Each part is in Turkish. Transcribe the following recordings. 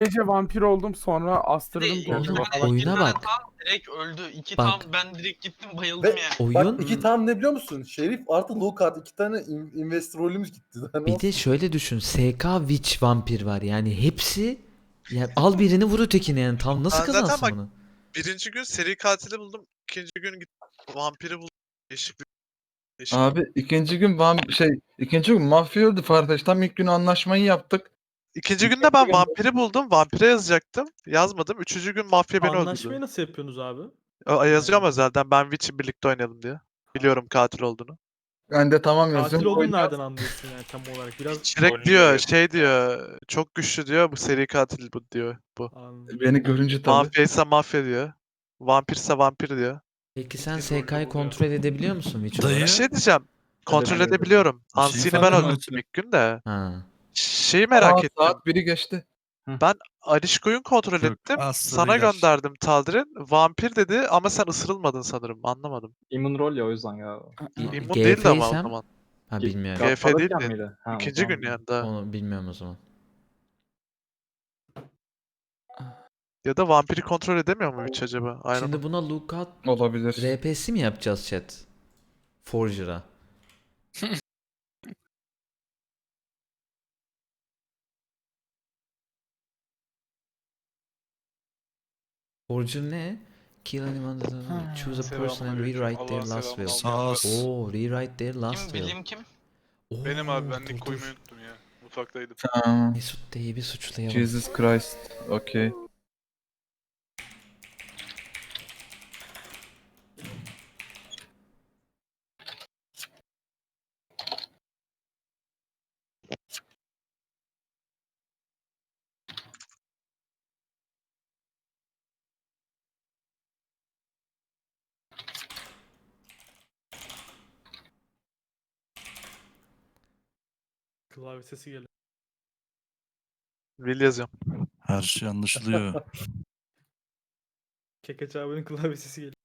gece vampir oldum, sonra astırdım İki kendimi Oğlum, tane, falan. oyuna iki tane bak. tam direkt öldü. İki Bak. tam ben direkt gittim bayıldım Ve yani. Oyun bak iki tam ne biliyor musun? Şerif artı Lukat iki tane investor rolümüz gitti. Daha ne bir de olsun? şöyle düşün. SK Witch vampir var. Yani hepsi ya al birini vur ötekini yani. Tam nasıl Ben zaten kazansın bak- bunu? Birinci gün seri katili buldum. İkinci gün gittim vampiri buldum. Değişik bir değişik. Abi ikinci gün mafya öldü Farfetch. Tam ilk gün anlaşmayı yaptık. İkinci günde ben vampiri buldum. Vampire yazacaktım. Yazmadım. Üçüncü gün mafya beni Anlaşmayı öldürdü. nasıl yapıyorsunuz abi? Yazıyorum özelden. Ben Witch'in birlikte oynayalım diye. Biliyorum katil olduğunu. Ben de tamam Katil yazıyorum. olduğunu nereden anlıyorsun yani tam olarak? Biraz Direkt diyor şey diyor. Çok güçlü diyor. Bu seri katil bu diyor. Bu. anladım. Beni görünce tabii. Mafyaysa mafya diyor. Vampirse vampir diyor. Peki sen SK'yı kontrol edebiliyor musun Witch Dayı. Bir olarak? şey diyeceğim. Kontrol Edebiliyorum. edebiliyorum. Şeyi Ansi'ni ben farkında öldürdüm mısın? ilk gün de. Ha. Şeyi merak ettim. Saat 1'i geçti. Alişko'yu kontrol Çok ettim. aslı Sana beyler. gönderdim Taldir'in. Vampir dedi ama sen ısırılmadın sanırım. Anlamadım. İmmun rol ya o yüzden ya. İmmun değildi ama o GF'ysem zaman. ha bilmiyorum. GF Godfather'ken değildi. miydi? Ha, o İkinci zaman gün yani daha. Onu bilmiyorum o zaman. Ya da vampiri kontrol edemiyor mu hiç acaba? Aynen. Şimdi buna lookout Olabilir. RP'si mi yapacağız chat? Forger'a. Forger ne? Kill anyone that choose a person and rewrite their last will. Sağ ol. Oo, rewrite their last Kim will. bileyim kim? Oo, Benim abi ben dur, link dur. koymayı unuttum ya. Mutfaktaydım. Tamam. Mesut D'yi bir suçlayalım. Jesus Christ. Okey. Klavye sesi geliyor. Will yazıyorum. Her şey anlaşılıyor. Kekeç abinin klavye sesi geliyor.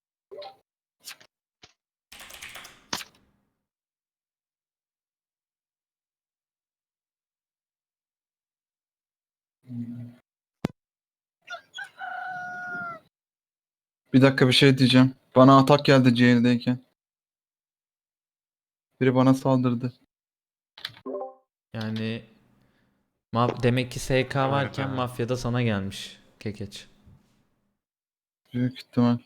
Bir dakika bir şey diyeceğim. Bana atak geldi jail'deyken. Biri bana saldırdı. Yani demek ki SK varken mafyada sana gelmiş Kekeç. Büyük ihtimal.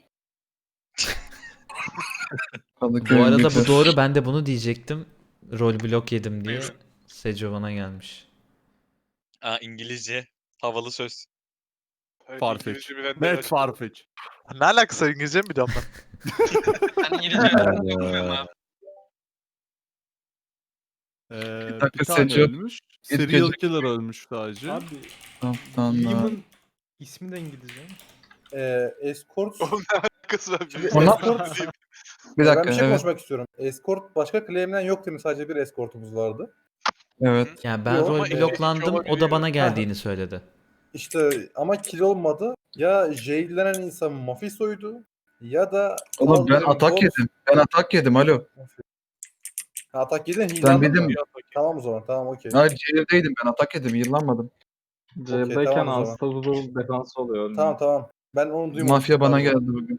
Bu Kadıköy arada bu Migros. doğru, ben de bunu diyecektim. Rol blok yedim diye Seco bana gelmiş. Aa, İngilizce havalı söz. Evet, Farfetch. İngilizce bilenler Net açık. Farfetch. Ne alakası var, İngilizce mi biliyorum ben? Ben İngilizce bilmiyorum abi. Bir dakika, Bir tane Seco. ölmüş. İlk Serial gece- killer ölmüş sadece. Abi Kaptanlar. Demon ismi de İngilizce. Escort. Oğlum ne alakası var? Şimdi Ona- escort. Bir Ben dakika bir şey evet. konuşmak istiyorum. Escort başka claim'den yok değil mi? Sadece bir escortumuz vardı. Evet. Yani ben Yok, rol ama bloklandım, o da olabiliyor. bana geldiğini söyledi. İşte ama kill olmadı. Ya jail'lenen insan Mafisa'ydı ya da Oğlum ben Taldir'in atak bot- yedim. Ben atak yedim alo. Ha, atak yedin Ben hilandın bildim. mı? Tamam o zaman tamam okey. Hayır jail'deydim ben atak yedim. Yıllanmadım. Jail'deyken tamam o zaman. Unstoppable defansı oluyor. Tamam tamam. Ben onu duymadım. Mafya bana Pardon. geldi bugün.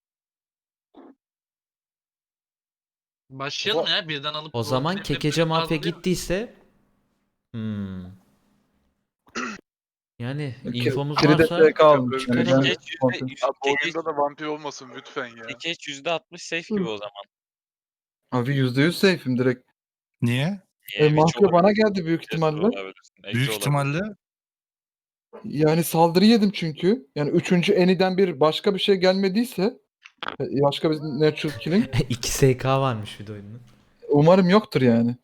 Başlayalım ya birden alıp. O zaman roleplay'e Kekece mafya bazlayalım. gittiyse yani infomuz Kiri de varsa SK almış. Çıkarın. Yani ben Kekeç kontrol- Abi bu oyunda da vampir olmasın lütfen ya. Kekeç %60 safe gibi o zaman. Abi %100 safe'im direkt. Niye? Witch Mafya bana olabilirsin, geldi büyük Jester ihtimalle. olabilirsin, Exe Büyük olabilirsin. ihtimalle Yani saldırı yedim çünkü. Yani 3. Eni'den bir başka bir şey gelmediyse başka bir natural killing 2 SK varmış bir de oyunun. umarım yoktur yani.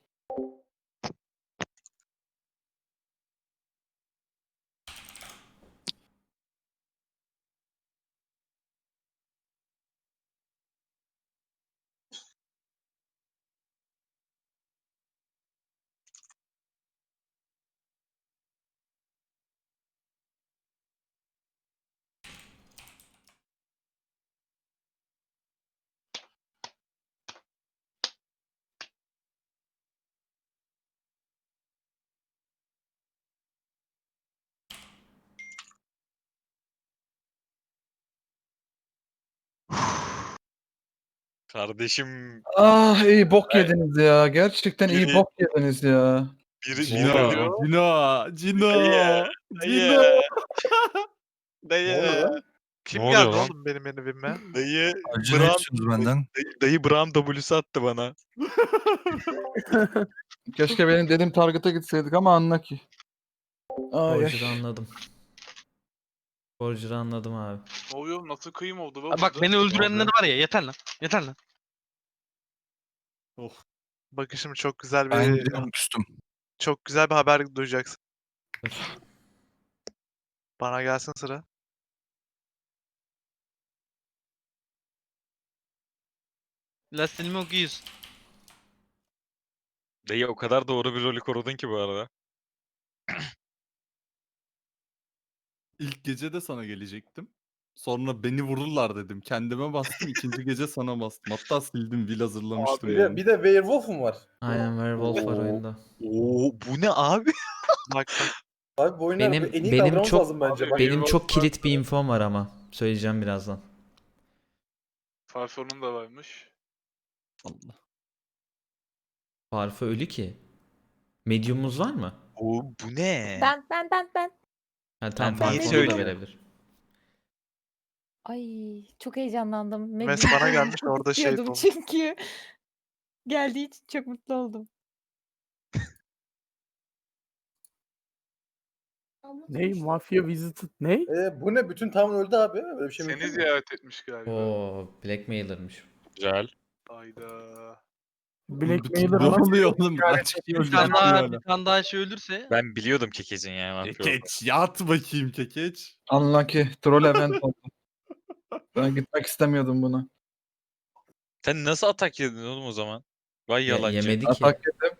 Kardeşim Ah iyi bok yediniz ya. Gerçekten iyi Biri- bok yediniz ya. biri Cino, oluyor? Cino, Cino, Dayı, Cino. Ne oluyor lan? Kim Ne geldi oluyor lan? oğlum benim evime? dayı Acı ne istiyorsunuz benden? dayı Bram W'su attı bana. Keşke benim dediğim target'a gitseydik ama anla ki. Ay, Forger'ı ay. anladım. Forger'ı anladım abi. Ne oluyor? Nasıl kıyım oldu lan Abi bak burada? beni öldürenler var ya yeter lan. Yeter lan. Bakın şimdi çok güzel Ben bir gidiyorum küstüm. çok güzel bir haber duyacaksın. Dur. Bana gelsin sıra. Lastiğimi okuyuz. Dayı o kadar doğru bir rolü korudun ki bu arada. İlk gece de sana gelecektim. Sonra beni vururlar dedim. Kendime bastım. İkinci gece sana bastım. Hatta sildim. Will hazırlamıştım Bir yani. de, bir de Werewolf'um var. Aynen Werewolf var Oo. oyunda. Oo bu ne abi? Bak Abi bu oyunlar Benim- en iyi benim davranmamız çok- lazım bence. Bak, Benim çok kilit bir infom var ama. Söyleyeceğim birazdan. Farfon'un da varmış. Allah. Farfı ölü ki. Medium'umuz var mı? Oo bu ne? Ben. Ha, tamam Ben niye Farfı onu da söylüyorum? verebilir. Ay çok heyecanlandım. Mes bana gelmiş orada şey Diyordum oldu. çünkü. Geldiği için çok mutlu oldum. Ney? Mafia Visited ney? bu ne? Bütün town öldü abi. Böyle bir şey Seni mümkün mü? ziyaret etmiş galiba. Oo, Blackmailer'mış. Güzel. Hayda. Blackmailer ne oluyor oğlum? Kaç kişi Bir öldürdü tane daha, hala. bir tane daha şey ölürse. Ben biliyordum Kekeç'in ya. vampir olduğunu. Kekeç. Yat bakayım Kekeç. Anla ki troll event oldu. Ben gitmek istemiyordum buna. Sen nasıl atak yedin oğlum o zaman? Vay yalancı. Yemedi ki. Atak yedim.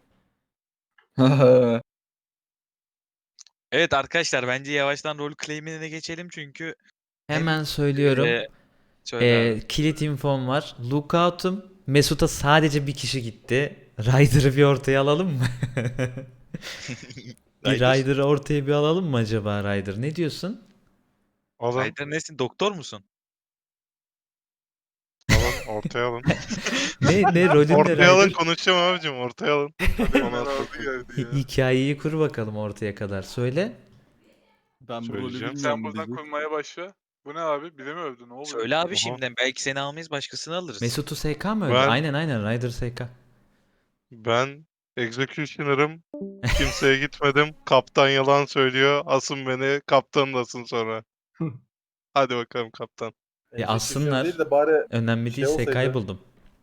Evet arkadaşlar bence yavaştan rol claim'ine geçelim çünkü Hemen söylüyorum. söyle abi. Kilit infom var. Lookout'um. Mesut'a sadece bir kişi gitti. Ryder'ı bir ortaya alalım mı? Bir Ryder. Ryder'ı ortaya bir alalım mı acaba Ryder? Ne diyorsun? Ryder nesin? Doktor musun? Ortaya alın. Ne rolün ne Ryder? konuşacağım abicim ortaya alın. Bana geldi ya. Hikayeyi kur bakalım ortaya kadar. Söyle. Ben bu rolü Söyleyeceğim. bilmiyorum. Sen buradan diyecek. kurmaya başla. Bu ne abi? Bize mi övdü? Ne oluyor? Söyle abi şimdiden. Belki seni almayız başkasını alırız. Mesut'u SK mı öldü? Ben- Aynen Ryder SK. Ben Executioner'ım. Kimseye gitmedim. Kaptan yalan söylüyor. Asın beni. Kaptanı da asın sonra. Hadi bakalım kaptan. Ya Execution aslınlar. Değil de bari Önemli şey değil SK'yı olsaydı. buldum.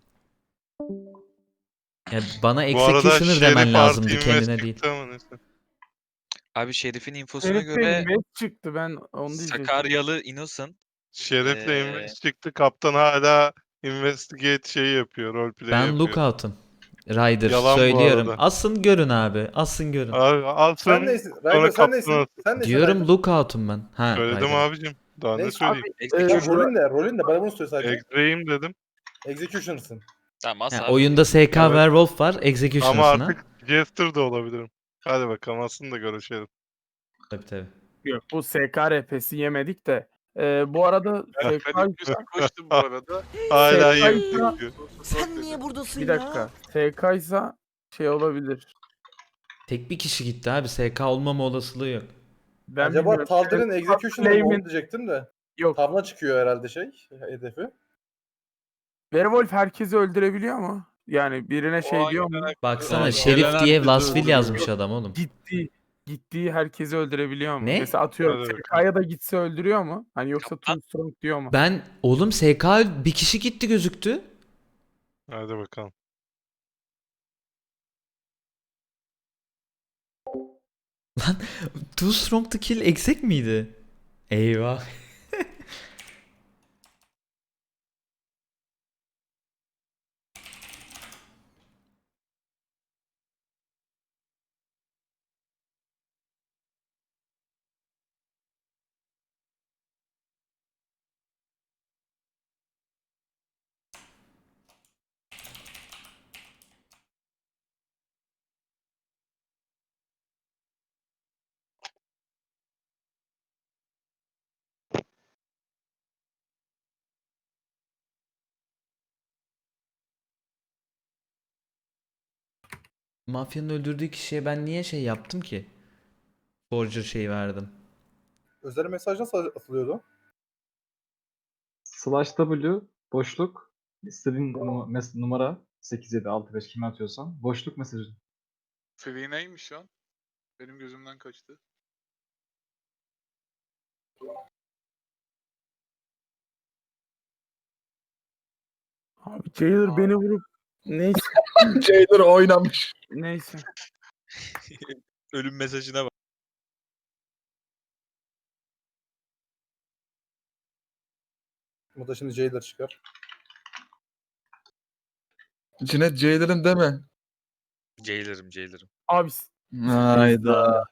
Ya bana Bu arada Executioner demen Şerif lazımdı Artı kendine Invest değil. çıktı ama neyse. Abi Şerif'in infosuna Herif göre benim West çıktı ben onu diyecektim. Sakaryalı Innocent. Şerif'le Ee, Invest çıktı. Kaptan hala investigate şeyi yapıyor. Roleplay Ben yapıyor. Lookout'um. Ryder Yalan bu söylüyorum. arada. Asın görün abi. Asın görün. Abi alsın. Sen neysin? sonra Ryder sen kaptan neysin? alsın. Sen neysin? Diyorum Ryder? Lookout'um ben. Ha, Söyledim Ryder. abicim. Daha ne Neyse söyleyeyim? Executioner. Rolün ne? Rolün ne? Bana bunu söyle sadece. Extreme dedim. Execution'sın. Tamam as Ha, abi. oyunda SK Werewolf var. Ama Executioner'sın ha. artık Jester de olabilirim. Hadi bakalım aslında görüşelim. Tabii. Yok bu SK RP'si yemedik de. Bu arada SK Koştum bu arada. Hala SK yiyip ise- duruyor. Sen niye buradasın bir dakika. SK ise şey olabilir. Tek bir kişi gitti abi. SK olmama olasılığı yok. Ben Acaba bilmiyorum. Taldir'in SK Execution'ı mı claim'in- onu diyecektim de. Yok. Tavla çıkıyor herhalde hedefi. Werewolf herkesi öldürebiliyor mu? Yani birine şey diyor mu? Baksana Evet. Şerif Gelen diye herkesi Lasville öldürüyor. yazmış adam oğlum. Gittiği herkesi öldürebiliyor mu? Ne? Mesela atıyorum Hadi SK'ya da gitse öldürüyor mu? Hani yoksa Too Strong diyor mu? Ben oğlum SK bir kişi gitti gözüktü. Hadi bakalım. Too Strong to Kill exec miydi? Eyvah. Mafyanın öldürdüğü kişiye ben niye şey yaptım ki? Forger şeyi verdim. Özel mesaj nasıl atılıyordu? /W boşluk istediğin numara 8765 kime atıyorsan boşluk mesajı. Free neymiş şu an? Benim gözümden kaçtı. Abi Jailer beni vurup neyse. Jailer oynamış. Neyse. Ölüm mesajına bak. Bu da şimdi Jailer çıkar. Cinet Jailer'ım deme. Jailer'ım. Abi Hayda.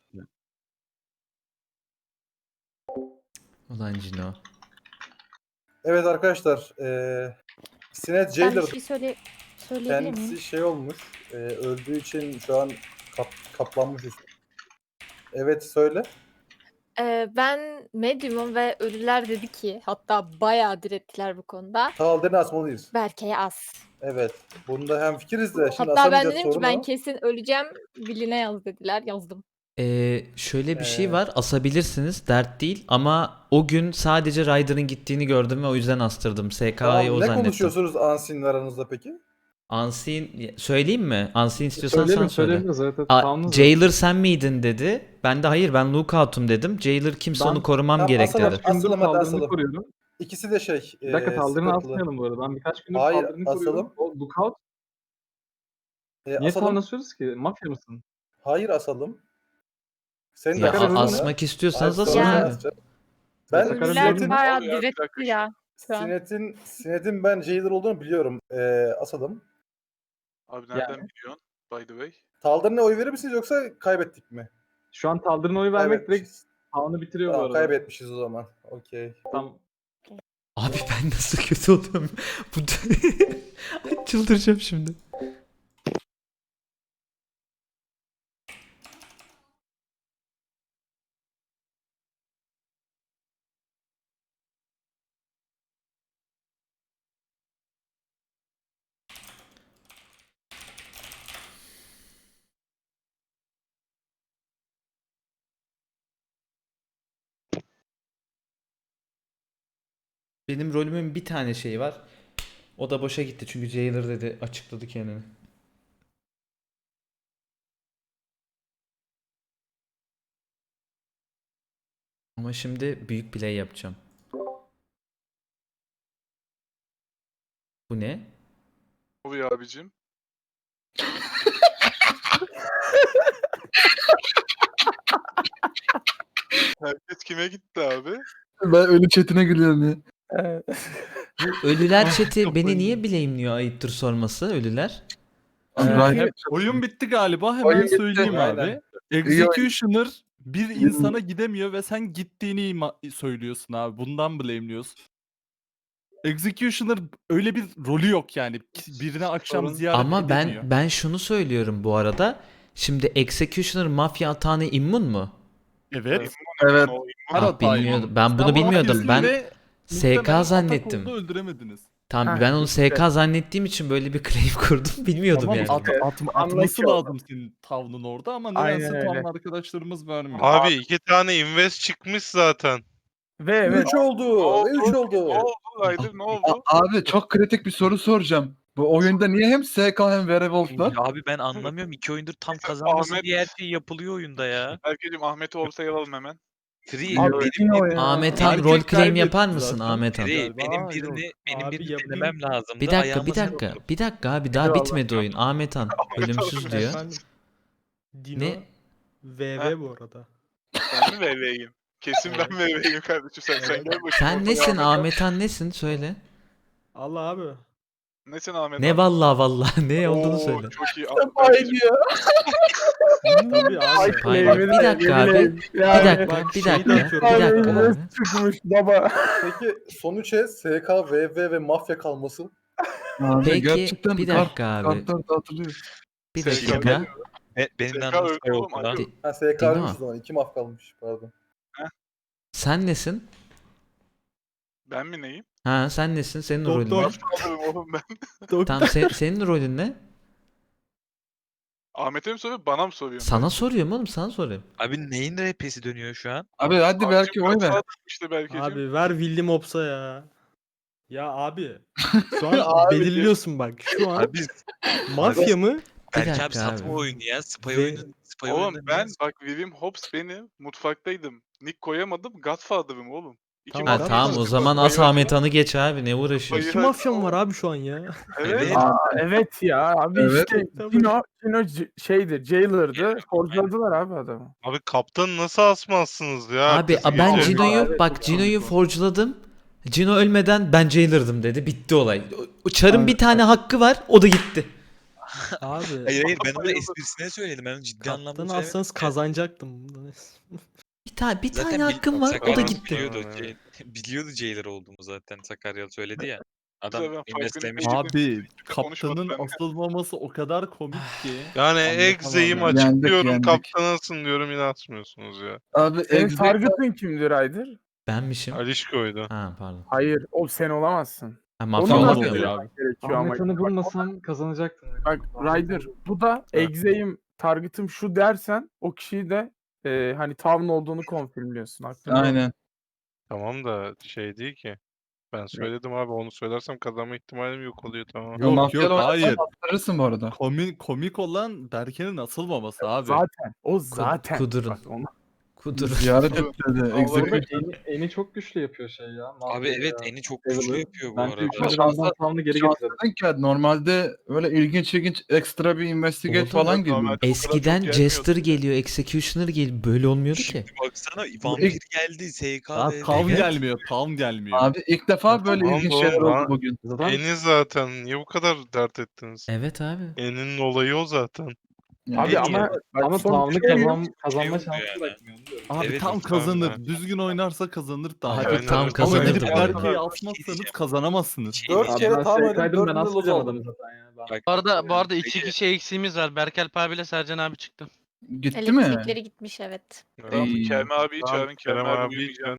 Ulan Cino. Evet arkadaşlar. Sinet Ben bir Jailer şey söyleyebilir miyim? kendisi şey olmuş. Öldüğü için şu an kaplanmış üstü. Evet söyle. Ben medium'um ve ölüler dedi ki hatta bayağı direttiler bu konuda. Talden'i asmalıyız. Berke'ye as. Evet. Bunda hemfikiriz de. Şimdi Hatta ben asamayacağız, dedim ki sorun ben o. kesin öleceğim. Biline yaz dediler. Yazdım. Şöyle bir şey Ee, var. Asabilirsiniz. Dert değil. Ama o gün sadece Ryder'ın gittiğini gördüm ve o yüzden astırdım. SK'yı Tamam, o ne zannettim. konuşuyorsunuz Ansin'le aranızda peki? Unseen söyleyeyim mi? Unseen istiyorsan sen söyle. Söyleyebiliriz evet. Aa, Tamamız Jailer sen miydin dedi. Ben de hayır ben Lookout'um dedim. Jailer kimse Ben- onu korumam Tamam, gerek asalım. dedi. Asalım, hadi Taldırını asalım. koruyorum. İkisi de şey. Bir dakika Taldırını sıkıntılı. asmayalım bu arada. Ben birkaç gündür Hayır, Taldırını koruyorum. asalım. O lookout. Niye Asalım. Taldir'ini asıyoruz ki? Mafya mısın? Hayır asalım. Senin Ya Sakar öldü mü? asmak istiyorsanız Hayır, asın sonra Ya. abi. asacağım. Ben Sakar öldü Ölüler mü? bayağı Ya, bir diretti dakika. ya. Şu an. Sinet'in ben Jailer olduğunu biliyorum. Asalım. Abi nereden biliyorsun? By the way. Taldir'ine oy verir misiniz yoksa kaybettik mi? Şu an Taldir'ine oy vermek direkt Kaybetmişiz. Kaan'ı bitiriyor bu Tamam, arada. kaybetmişiz o zaman. Okey. Tam Abi ben nasıl kötü oluyorum. Bu çıldıracağım şimdi. Benim rolümün bir tane şeyi var. O da boşa gitti çünkü Jailer dedi açıkladı kendini. Ama şimdi büyük play yapacağım. Bu ne? Oluyor abicim. Herkes kime gitti abi? Ben ölü chatine gülüyorum ya. Bu ölüler chat'i beni niye blame'liyor ayıptır sorması ölüler? Ryder- Oyun bitti galiba. Hemen Oyun bitti. söyleyeyim abi. Aynen. Executioner bir insana gidemiyor ve sen gittiğini söylüyorsun abi. Bundan blame'liyorsun. Executioner öyle bir rolü yok yani. Birine akşam Sorun- ziyaret Ama edemiyor. ben şunu söylüyorum bu arada. Şimdi Executioner mafya atağına immun mu? Evet. Evet. Her Ah, hatayı. bilmiyordum. Ben bunu Sen bilmiyordum. Ben ve SK muhtemelen atak zannettim. oldu, öldüremediniz. Tamam Ha, ben onu işte. SK zannettiğim için böyle bir claim kurdum. Bilmiyordum Tamam, yani. atması Unlucky oldu. lazım senin tavrın orada ama Aynen nedense öyle. tam arkadaşlarımız vermiyor. Abi 2 tane invest çıkmış zaten. Ve evet. 3 oldu. Ve 3 oldu. Ryder ne oldu? Abi çok kritik bir soru soracağım. Bu oyunda niye hem SK hem Werewolf var? Ya abi ben anlamıyorum. 2 oyundur tam kazanması Ahmet- diye her şey yapılıyor oyunda ya. Herkese Ahmet'i ortaya alalım hemen. Free Abi benim, yine o ya. Ahmet Han Herkes rol claim kaybetti yapar mısın zaten. Ahmet Han? Free, Galiba benim yok. benim Abi birini yapayım. denemem lazım. Bir dakika bir dakika. Bir dakika abi daha Eyvallah. bitmedi oyun. Ahmet Han ölümsüz diyor. Efendim. Dino Ne? VV bu arada. Ben mi VV'yim? Kesin ben VV'yim kardeşim sen gel bakayım. Sen ortaya nesin Ahmet. Ahmet Han nesin söyle. Allah abi. Nesin Ahmet? Ne abi? vallahi ne olduğunu Oo, söyle. Çok iyi. Aynı ya. Tabii abi. Hayır, bir dakika abi. Bir dakika, Bak, bir şeyi dakika, de bir atıyorum. dakika. abi. Çıkmış baba. Peki sonuç SK, VV ve mafya kalması. Abi Peki gerçekten bir kart- dakika abi. kartlar dağıtılıyor. Bir Şey, dakika. Benim SK anlamda öldü oğlum, oldu lan. alo. Ha SK Dino. ölmüş o zaman. 2 maf kalmış. Pardon. Sen nesin? Ben mi neyim? Ha sen nesin? Senin rolün ne? Doktor. Kaldırım oğlum ben. Tamam senin rolün ne? Ahmet'e mi soruyor, bana mı soruyor? Sana soruyorum oğlum, sana soruyorum. Abi neyin RP'si dönüyor şu an? Abi hadi belki oy ver. İşte belki. Abi ver William Ops'a ya. Ya abi. Şu an Abi. belirliyorsun bak. Şu an Abi mafya mı? belki dakika abi satma abi. oyunu ya. Spy Ve- oyunu. Spy oyununda niye- bak William Hobbs beni mutfaktaydım. Nick koyamadım. Godfather'ım oğlum. Tamam, Ha Tamam, tamam, o zaman as Ahmet Han'ı geç abi, ne uğraşıyorsun? İki mafya mı var abi şu an ya? Evet. Evet ya abi Evet. işte Cino şeydi, Jailer'dı. Forjladılar abi adamı. Abi kaptanı nasıl asmazsınız ya? Abi Ertesi ben gece? Cino'yu bak, Cino'yu forjladım. Cino ölmeden ben Jailer'dım dedi. Bitti olay. O Çar'ın bir tane hakkı var, o da gitti. Abi. Hayır hayır, ben onu esprisine söyledim. Ben onu ciddi anlamda Kaptanı söylemedim. alsanız kazanacaktım. Bir tane Zaten hakkım var, o da Sakarya gitti. Biliyordu, biliyordu Jailer olduğumu zaten. Sakarya söyledi ya. Adam Tabii, ben investlemiş. farkındayım. Abi konuşmadım kaptanın ben de. asılmaması o kadar komik ki. Yani Anlatamam Exe'yim yani. açıklıyorum, Yendik. kaptanasın diyorum, yine atmıyorsunuz ya. Abi Senin exec target'ın kimdir Ryder? Benmişim. Alişko'ydu. Ha pardon. Hayır, o sen olamazsın. Ha, Onu mafya da Tamam olmuyor oluyor mu? abi. gerekiyor ama. Ahmet Han'ı bulmasam kazanacaktım. Bak Ryder, bu da Exe'yim, target'ım şu dersen o kişiyi de hani Town olduğunu konfirmliyorsun. Aklında olsun. aynen. Tamam da şey değil ki. Ben söyledim abi, onu söylersem kazanma ihtimalim yok oluyor, tamam. Yok, Mafyalı yok, oynarsan hayır. attırırsın bu arada. Komik olan Berke'nin asılmaması abi. Zaten. O zaten. kudurun. Bak, onu- Kudur. Ziyaret dedi. Orada Execution. eni çok güçlü yapıyor şey ya. Abi evet, eni çok güçlü yapıyor bu Ben arada. Türkçe Şansa- Ramazan Tamam'ı geri Şans getirdim. dedin ki normalde öyle ilginç ekstra bir investigate Oldu. falan Yok, geliyor. normalde bu kadar Eskiden çok gelmiyordu. Jester geliyor, Executioner geliyor. Böyle olmuyordu ki. Şimdi baksana vampir geldi, Daha SK'de. tam gelmiyor, tam gelmiyor. Abi ilk defa böyle Tamam ilginç oğlum, şeyler oldu lan. bugün. Zaten Eni zaten. Niye bu kadar dert ettiniz? Evet abi. En'in olayı o zaten. Yani Abi En ama iyi. bak, ama son Tamam'ı şey yok. kazanma oldu şansı yani. bırakmıyor diyorum. Abi Evet, tam evet, kazanır. abi. Düzgün oynarsa kazanır da. Hadi Aynen tam öyle. Ama kazanırdı gidip bu arada. Berke'yi asmazsanız kazanamazsınız. 4 Abi kere ben tam SK'ydım, oynadım, ben 4'ünde loz asmayacağım aldım. adamı zaten ya. Ben- Bak, Bu arada iki Peki. kişi eksiğimiz var. Berkel Alp abiyle Sercan abi çıktı. Gitti mi? Elektrikleri gitmiş evet. Evet. Kerem abi Tamam, Kerem abi